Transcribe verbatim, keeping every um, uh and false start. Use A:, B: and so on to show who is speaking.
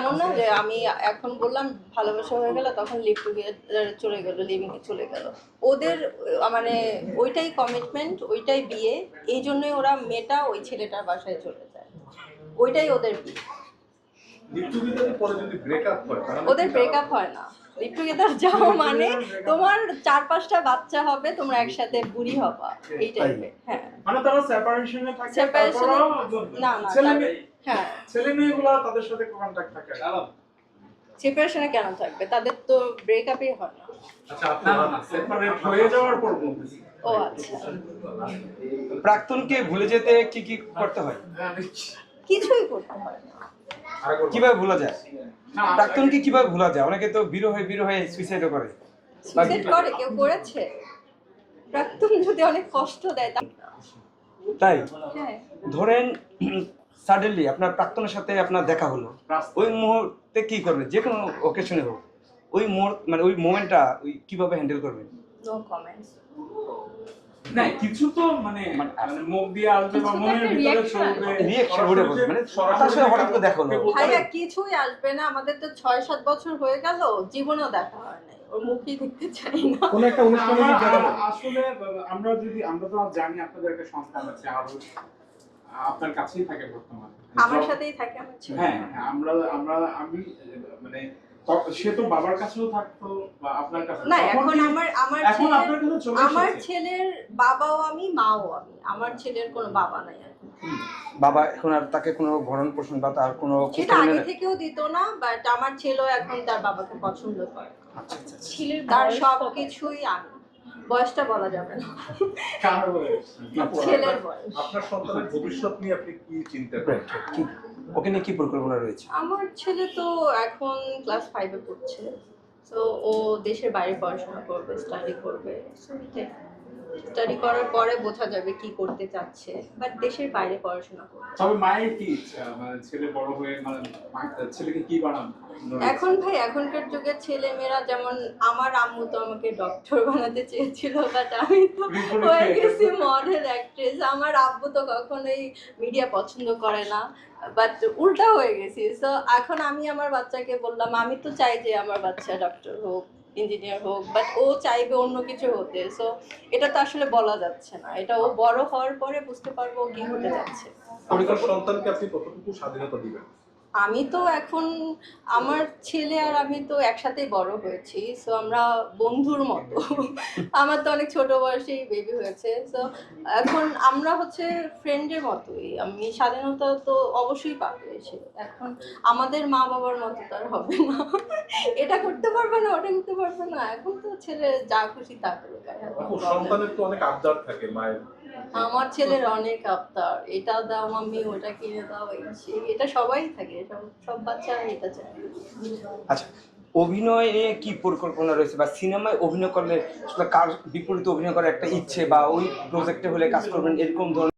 A: এমন না যে আমি এখন বললাম ভালোবাসা হয়ে গেল তখন লিভ টুগেদার চলে গেল, লিভিং চলে গেল। ওদের মানে ওইটাই কমিটমেন্ট, ওইটাই বিয়ে, এই জন্যই ওরা মেয়েটা ওই ছেলেটার বাসায় চলে যায়, ওইটাই ওদের বিয়ে। ওদের ব্রেকআপ হয় না, লিভ টুগেদার যাও মানে তোমার চার পাঁচটা বাচ্চা হবে, তোমরা একসাথে বুড়ি হবা, এই টাইপের। হ্যাঁ
B: মানে তারা সেপারেশনে থাকে,
A: সেপারেশন না না
B: ছেলে মেয়ে,
A: হ্যাঁ
B: ছেলে মেয়েগুলো তাদের সাথে কন্টাক্ট থাকে।
A: সেপারেশনে কেন থাকবে, তাদের তো ব্রেকআপই হয় না।
B: আচ্ছা আপনারা সেপারেট হয়ে যাওয়ার পর বলতেছি।
A: ও আচ্ছা,
C: প্রাক্তনকে ভুলে যেতে কি কি করতে হয়?
A: কিছুই করতে হয় না।
C: কিভাবে ভোলা যায়? প্রাক্তনকে কিভাবে ভোলা যায়? অনেকে তো বিরহ হয়ে বিরহ হয়ে সুইসাইডও করে।
A: সুইসাইড করে, কেউ করেছে? প্রাক্তন যদি অনেক কষ্ট দেয় তা
C: তাই
A: হ্যাঁ।
C: ধরেন সাডেনলি আপনার প্রাক্তনের সাথে আপনার দেখা হলো, ওই মুহূর্তে কি করবেন? যে কোনো ওকেশনে হোক, ওই মুহূর্ত মানে ওই মোমেন্টটা ওই কিভাবে হ্যান্ডেল করবেন?
A: No comments.
B: না কিছু তো মানে মানে মুখ দিয়ে আসবে বা মনের ভিতরে চলবে,
C: রিঅ্যাকশন ওটা বলতে মানে তার সাথে হঠাৎ করে দেখা হলো।
A: ভাইয়া কিছুই আসবে না, আমাদের তো ছয় সাত বছর হয়ে গেল, জীবনেও দেখা হয় নাই, ওর মুখই দেখতে চাই না।
B: কোন একটা অনুষ্ঠানে আসলে আমরা যদি আমরা তো জানি আপনাদের একটা সন্তান আছে, আর আপনার কাছেই থাকে বর্তমানে,
A: আমার সাথেই থাকে আমার ছেলে।
B: হ্যাঁ আমরা আমরা আমি মানে সে তো বাবার কাছেও থাকতো বা আপনার কাছে
A: না, এখন আমার আমার
B: এখন আপনার কাছে চলে এসেছে।
A: আমার ছেলের বাবাও আমি, মাও আমি, আমার ছেলের কোনো বাবা নাই এখন।
C: বাবা এখন আর তাকে কোনো ভরণ পোষণ বা তার কোনো
A: সেটা আগে থেকেও দিত না, বাট আমার ছেলেও এখন তার বাবাকে পছন্দ করে।
C: আচ্ছা আচ্ছা
A: ছেলের তার সবকিছুই আমি, বয়সটা বলা যাবে না।
B: কার বয়স?
A: ছেলের বয়স।
D: আপনার সন্তানের ভবিষ্যৎ নিয়ে আপনি কি চিন্তা করেন?
C: কি ওকে নিয়ে কি পরিকল্পনা রয়েছে?
A: আমার ছেলে তো এখন ক্লাস ফাইভে পড়ছে, তো ও দেশের বাইরে পড়াশোনা করবে, স্টাডি করবে। স্টাডি করার পরে বোঝা যাবে কি করতে চাচ্ছে, বাট দেশের বাইরে পড়াশোনা করবে।
B: তবে মায়ের কি ইচ্ছা, মানে ছেলে বড় হয়ে মানে ছেলেকে কি বানানো?
A: এখন ভাই এখনকার যুগের ছেলে মেয়েরা যেমন, আমার আম্মু তো আমাকে ডক্টর বানাতে চেয়েছিল, বাট আমি তো হয়ে গেছি মডেল অ্যাক্ট্রেস। আমার আব্বু তো কখনোই মিডিয়া পছন্দ করে না, বাট উল্টা হয়ে গেছি। সো এখন আমি আমার বাচ্চাকে বললাম, আমি তো চাই যে আমার বাচ্চা ডক্টর হোক, ইঞ্জিনিয়ার হোক, বাট ও চাইবে অন্য কিছু হতে। সো এটা তো আসলে বলা যাচ্ছে না, এটা ও বড় হওয়ার পরে বুঝতে পারবো ও কি হতে যাচ্ছে।
D: আপনার সন্তানকে আপনি কতটুকু স্বাধীনতা দিবেন?
A: আমি তো এখন আমার ছেলে আর আমি তো একসাথেই বড় হয়েছি, সো আমরা বন্ধুর মতো। আমার তো অনেক ছোট বয়সেই বেবি হয়েছে, সো এখন আমরা হচ্ছে ফ্রেন্ডের মতোই। আমি স্বাধীনতা তো অবশ্যই পাবে সে, এখন আমাদের মা বাবার মতো তার হবে না, এটা করতে পারবে না ওটা করতে পারবে না। এখন তো ছেলে যা খুশি তা করুক।
D: সন্তানের তো অনেক আবদার থাকে মায়ের।
A: আমার ছেলের অনেক আবদার, এটা দাও মাম্মি, ওটা কিনে দাও, এটা সবাই থাকে, সব সব বাচ্চারা এটা চায়।
C: আচ্ছা, অভিনয় নিয়ে কি পরিকল্পনা রয়েছে, বা সিনেমায় অভিনয় করলে আসলে কার বিপরীতে অভিনয় করার একটা ইচ্ছে, বা ওই প্রজেক্টে হলে কাজ করবেন এরকম ধরনের